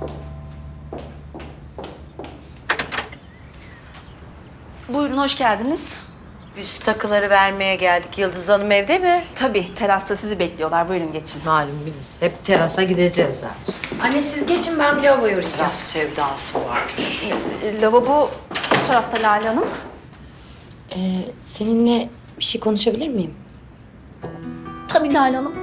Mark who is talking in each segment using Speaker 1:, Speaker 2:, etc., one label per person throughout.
Speaker 1: Buyurun, hoş geldiniz.
Speaker 2: Biz takıları vermeye geldik. Yıldız Hanım evde mi?
Speaker 1: Tabii, terasta sizi bekliyorlar. Buyurun geçin.
Speaker 2: Malum biz hep terasa gideceğiz zaten.
Speaker 3: Anne siz geçin, ben bir lavaboya uğrayacağım.
Speaker 2: Biraz sevdası varmış.
Speaker 1: Lavabo bu tarafta Lale Hanım.
Speaker 3: Seninle bir şey konuşabilir miyim?
Speaker 1: Tabii Lale Hanım.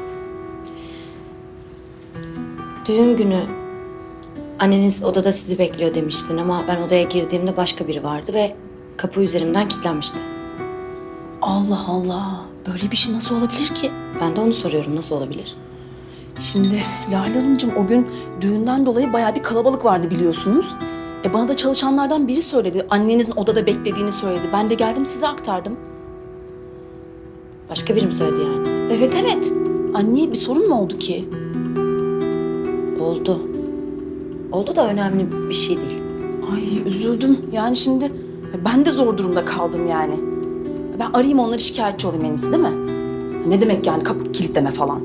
Speaker 3: Düğün günü anneniz odada sizi bekliyor demiştin ama ben odaya girdiğimde başka biri vardı ve kapı üzerimden kilitlenmişti.
Speaker 1: Allah Allah. Böyle bir şey nasıl olabilir ki?
Speaker 3: Ben de onu soruyorum, nasıl olabilir?
Speaker 1: Şimdi Lale Hanımcığım o gün düğünden dolayı bayağı bir kalabalık vardı biliyorsunuz. Bana da çalışanlardan biri söyledi. Annenizin odada beklediğini söyledi. Ben de geldim size aktardım.
Speaker 3: Başka biri mi söyledi yani?
Speaker 1: Evet evet. Anne bir sorun mu oldu ki?
Speaker 3: Oldu. Oldu da önemli bir şey değil.
Speaker 1: Ay üzüldüm. Yani şimdi ben de zor durumda kaldım yani. Ben arayayım onları şikayetçi olayım en iyisi değil mi? Ne demek yani kapı kilitleme falan.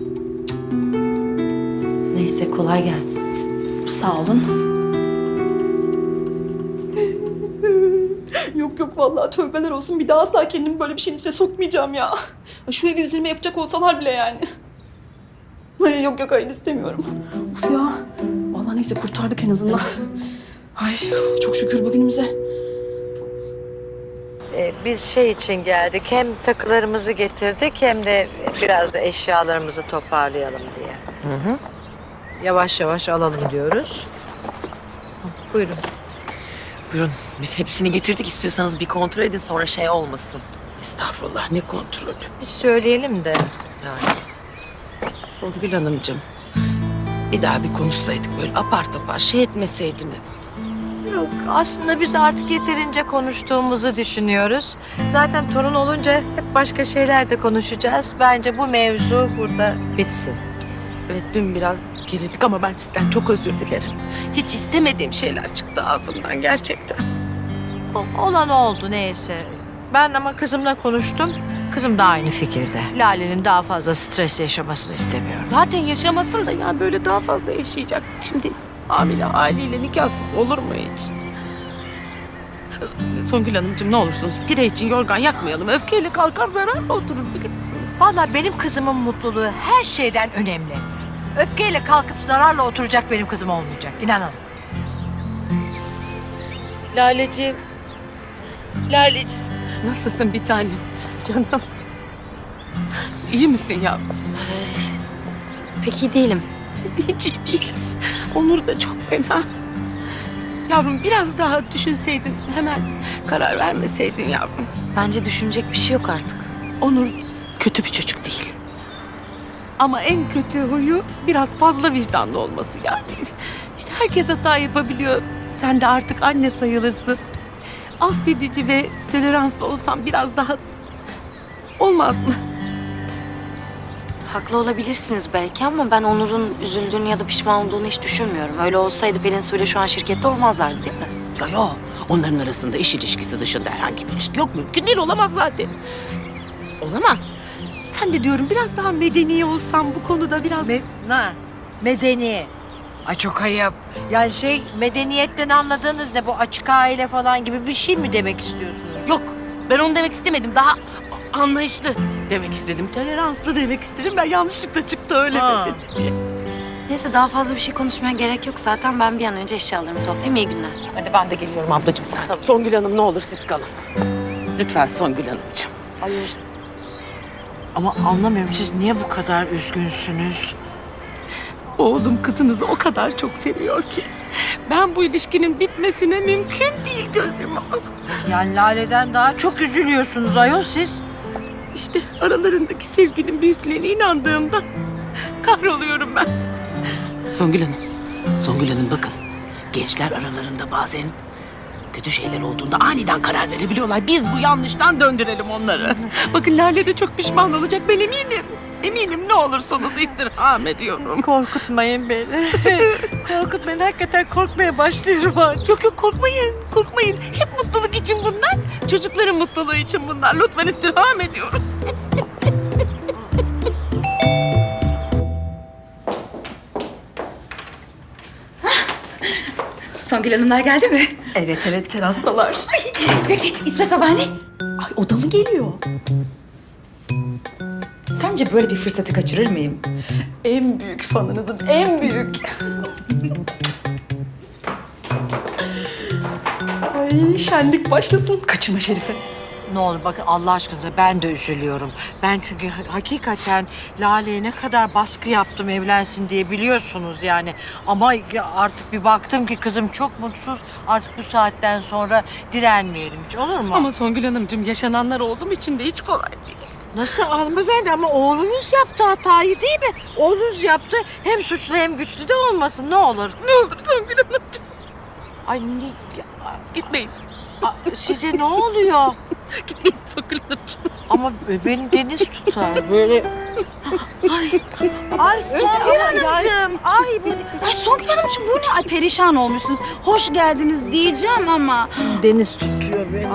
Speaker 3: Neyse kolay gelsin.
Speaker 1: Sağ olun. Yok vallahi tövbeler olsun. Bir daha asla kendimi böyle bir şeyin içine sokmayacağım ya. Şu evi üzerime yapacak olsalar bile yani. Yok hayır istemiyorum. Of ya. Vallahi neyse kurtardık en azından. Ay çok şükür bugünümüze.
Speaker 2: Biz şey için geldik. Hem takılarımızı getirdik hem de biraz da eşyalarımızı toparlayalım diye. Hı. Yavaş yavaş alalım diyoruz. Buyurun.
Speaker 4: Buyurun, biz hepsini getirdik. İstiyorsanız bir kontrol edin, sonra şey olmasın. Estağfurullah, ne kontrolü?
Speaker 2: Bir söyleyelim de. Yani.
Speaker 4: Songül Hanımcığım, bir daha bir konuşsaydık böyle apar topar şey etmeseydiniz.
Speaker 2: Yok, aslında biz artık yeterince konuştuğumuzu düşünüyoruz. Zaten torun olunca hep başka şeyler de konuşacağız. Bence bu mevzu burada bitsin.
Speaker 4: Evet, dün biraz gerildik ama ben sizden çok özür dilerim. Hiç istemediğim şeyler çıktı ağzımdan gerçekten.
Speaker 2: Olan oldu neyse. Ben ama kızımla konuştum. Kızım da aynı fikirde. Lale'nin daha fazla stres yaşamasını istemiyorum.
Speaker 4: Zaten yaşamasın da yani böyle daha fazla yaşayacak. Şimdi hamile haliyle nikahsız olur mu hiç? Songül Hanımcığım ne olursunuz pire için yorgan yakmayalım. Öfkeyle kalkan zararla oturur bilirsiniz.
Speaker 2: Vallahi benim kızımın mutluluğu her şeyden önemli. Öfkeyle kalkıp zararla oturacak benim kızım olmayacak. İnanın.
Speaker 4: Laleciğim. Laleciğim. Nasılsın bir tanem? Canım. İyi misin ya?
Speaker 3: Pek iyi değilim.
Speaker 4: Biz de hiç iyi değiliz. Onur da çok fena. Yavrum biraz daha düşünseydin, hemen karar vermeseydin yavrum.
Speaker 3: Bence düşünecek bir şey yok artık.
Speaker 4: Onur kötü bir çocuk değil. Ama en kötü huyu biraz fazla vicdanlı olması yani. İşte herkes hata yapabiliyor. Sen de artık anne sayılırsın. Affedici ve toleranslı olsan biraz daha olmaz mı?
Speaker 3: Haklı olabilirsiniz belki ama ben Onur'un üzüldüğünü ya da pişman olduğunu hiç düşünmüyorum. Öyle olsaydı Pelin Su'yla şu an şirkette olmazlardı değil mi?
Speaker 4: Ya onların arasında iş ilişkisi dışında herhangi bir ilişki yok. Mümkün değil, olamaz zaten. Olamaz. Sen de diyorum biraz daha medeni olsan bu konuda biraz...
Speaker 2: Medeni. Ay çok ayıp. Yani medeniyetten anladığınız ne? Bu açık aile falan gibi bir şey mi demek istiyorsunuz?
Speaker 4: Yok, ben onu demek istemedim. Daha anlayışlı demek istedim. Toleranslı demek istedim. Ben yanlışlıkla çıktı öyle
Speaker 2: Ha.
Speaker 4: dedi.
Speaker 3: Neyse daha fazla bir şey konuşmaya gerek yok zaten. Ben bir an önce eşyalarımı toplayayım. İyi günler.
Speaker 4: Hadi ben de geliyorum ablacığım sen. Songül Hanım ne olur siz kalın. Lütfen Songül Hanımcığım.
Speaker 2: Hayır. Ama anlamıyorum siz niye bu kadar üzgünsünüz?
Speaker 4: Oğlum kızınızı o kadar çok seviyor ki. Ben bu ilişkinin bitmesine mümkün değil gözüm.
Speaker 2: Yani Lale'den daha çok üzülüyorsunuz ayol siz.
Speaker 4: İşte aralarındaki sevginin büyüklüğüne inandığımda kahroluyorum ben. Songül Hanım bakın. Gençler aralarında bazen kötü şeyler olduğunda aniden karar verebiliyorlar. Biz bu yanlıştan döndürelim onları. Bakın Lale de çok pişman olacak ben eminim. Eminim ne olursanız istirham ediyorum.
Speaker 2: Korkutmayın beni. Korkutmayın. Hakikaten korkmaya başlıyorum artık.
Speaker 4: Yok korkmayın. Hep mutluluk için bunlar. Çocukların mutluluğu için bunlar. Lütfen istirham ediyorum.
Speaker 5: Songül Hanımlar geldi mi?
Speaker 1: Evet terastalar.
Speaker 5: Peki İsmet babaanne?
Speaker 1: Ay o da mı geliyor?
Speaker 5: Sence böyle bir fırsatı kaçırır mıyım?
Speaker 1: En büyük fanınızım, en büyük. Ay şenlik başlasın. Kaçırma Şerife.
Speaker 2: Ne olur bakın Allah aşkınıza ben de üzülüyorum. Ben çünkü hakikaten Lale'ye ne kadar baskı yaptım evlensin diye biliyorsunuz yani. Ama artık bir baktım ki kızım çok mutsuz. Artık bu saatten sonra direnmeyelim hiç olur mu?
Speaker 4: Ama Songül Hanımcığım yaşananlar olduğum için de hiç kolay değil.
Speaker 2: Nasıl hanımefendi ama oğlunuz yaptı hatayı değil mi? Oğlunuz yaptı hem suçlu hem güçlü de olmasın ne olur.
Speaker 4: Ne olur Songül Hanımcığım
Speaker 2: Ay
Speaker 4: gitmeyin.
Speaker 2: size ne oluyor?
Speaker 4: Gitmeyin Songül Hanımcığım.
Speaker 2: Ama beni deniz tutar böyle.
Speaker 5: Ay Songül Hanımcığım. Ay Songül Hanımcığım bu ne? Ay perişan olmuşsunuz. Hoş geldiniz diyeceğim ama.
Speaker 2: Deniz tutuyor beni.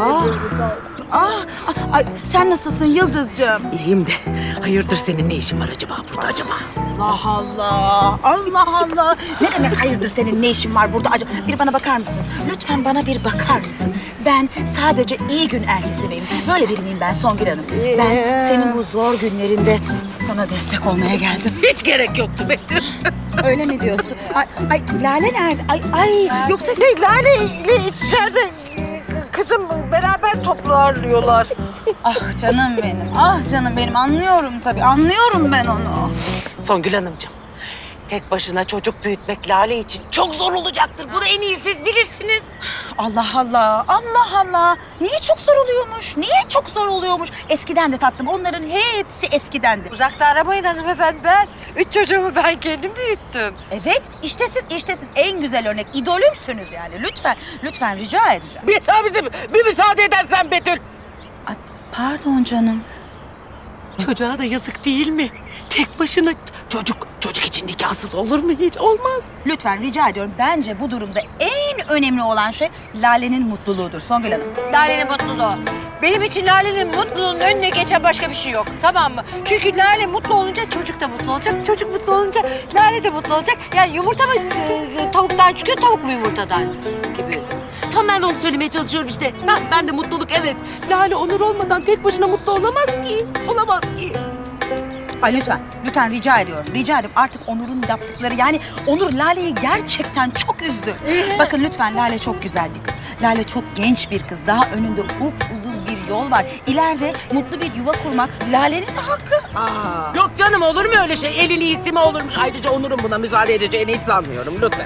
Speaker 5: Ay sen nasılsın Yıldızcığım?
Speaker 4: İyiyim de hayırdır senin ne işin var acaba burada acaba?
Speaker 5: Allah Allah. Allah Allah. Ne demek hayırdır senin ne işin var burada acaba? Bir bana bakar mısın? Lütfen bana bir bakar mısın? Ben sadece iyi gün elçisi miyim? Böyle biri miyim ben Songül Hanım? Ben senin bu zor günlerinde sana destek olmaya geldim.
Speaker 4: Hiç gerek yoktu Betül.
Speaker 5: Öyle mi diyorsun? Ay Lale nerede? Ay yoksa sen...
Speaker 2: Lale ile içeride kızım beraber toplu ağırlıyorlar.
Speaker 5: Ah canım benim. Ah canım benim. Anlıyorum tabii. Anlıyorum ben onu.
Speaker 4: Songül Hanımcığım, tek başına çocuk büyütmek Lale için çok zor olacaktır. Bunu en iyi siz bilirsiniz.
Speaker 5: Allah Allah. Allah Allah. Niye çok zor oluyormuş? Niye çok zor oluyormuş? Eskiden de tatlım. Onların hepsi eskidendi.
Speaker 2: Uzakta arabayın hanımefendi ben. 3 çocuğumu ben kendim büyüttüm.
Speaker 5: Evet. işte siz en güzel örnek. İdolümsünüz yani. Lütfen rica edeceğim.
Speaker 4: Bir müsaade edersen Betül.
Speaker 5: Ay, pardon canım.
Speaker 4: Çocuğa da yazık değil mi? Tek başına çocuk için nikahsız olur mu hiç? Olmaz.
Speaker 5: Lütfen rica ediyorum. Bence bu durumda en önemli olan şey Lale'nin mutluluğudur Songül Hanım.
Speaker 2: Lale'nin mutluluğu. Benim için Lale'nin mutluluğunun önüne geçen başka bir şey yok. Tamam mı? Çünkü Lale mutlu olunca çocuk da mutlu olacak. Çocuk mutlu olunca Lale de mutlu olacak. Yani yumurta mı tavuktan çıkıyor, tavuk mu yumurtadan gibi.
Speaker 4: Tam ben onu söylemeye çalışıyorum işte. Ben de mutluluk evet. Lale Onur olmadan tek başına mutlu olamaz ki. Olamaz ki.
Speaker 5: Ay lütfen rica ediyorum. Rica ediyorum. Artık Onur'un yaptıkları yani Onur Lale'yi gerçekten çok üzdü. Bakın lütfen Lale çok güzel bir kız. Lale çok genç bir kız. Daha önünde upuzun bir yol var. İleride mutlu bir yuva kurmak Lale'nin de hakkı.
Speaker 4: Yok canım olur mu öyle şey? Elin iyisi mi olurmuş? Ayrıca Onur'un buna müsaade edeceğini hiç sanmıyorum. Lütfen.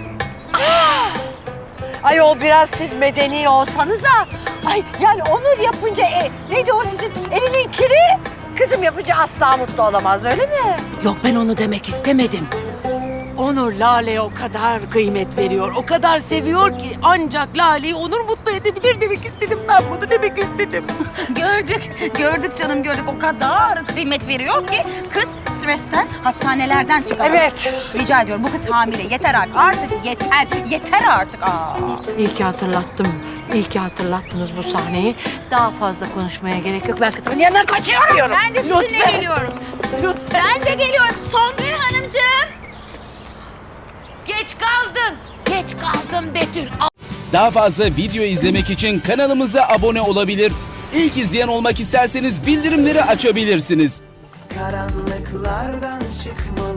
Speaker 2: Ayol biraz siz medeni olsanıza. Ay yani Onur yapınca neydi o sizin elinin kiri? Kızım yapınca asla mutlu olamaz öyle mi?
Speaker 4: Yok ben onu demek istemedim. Onur Lale'ye o kadar kıymet veriyor, o kadar seviyor ki ancak Lale'yi Onur mutlu edebilir demek istedim. Ben bunu demek istedim.
Speaker 5: Gördük canım gördük. O kadar kıymet veriyor ki kız stresten hastanelerden çıkamıyor.
Speaker 2: Evet.
Speaker 5: Rica ediyorum bu kız hamile. Yeter artık yeter artık.
Speaker 2: İyi ki hatırlattım. İyi ki hatırlattınız bu sahneyi. Daha fazla konuşmaya gerek yok. Ben kızımın yanına kaçıyorum.
Speaker 5: Ben de sizinle geliyorum.
Speaker 4: Lütfen.
Speaker 5: Ben de geliyorum Songül Hanımcığım.
Speaker 4: Geç kaldın Betül.
Speaker 6: Daha fazla video izlemek için kanalımıza abone olabilir. İlk izleyen olmak isterseniz bildirimleri açabilirsiniz.
Speaker 7: Karanlıklardan çıkmalı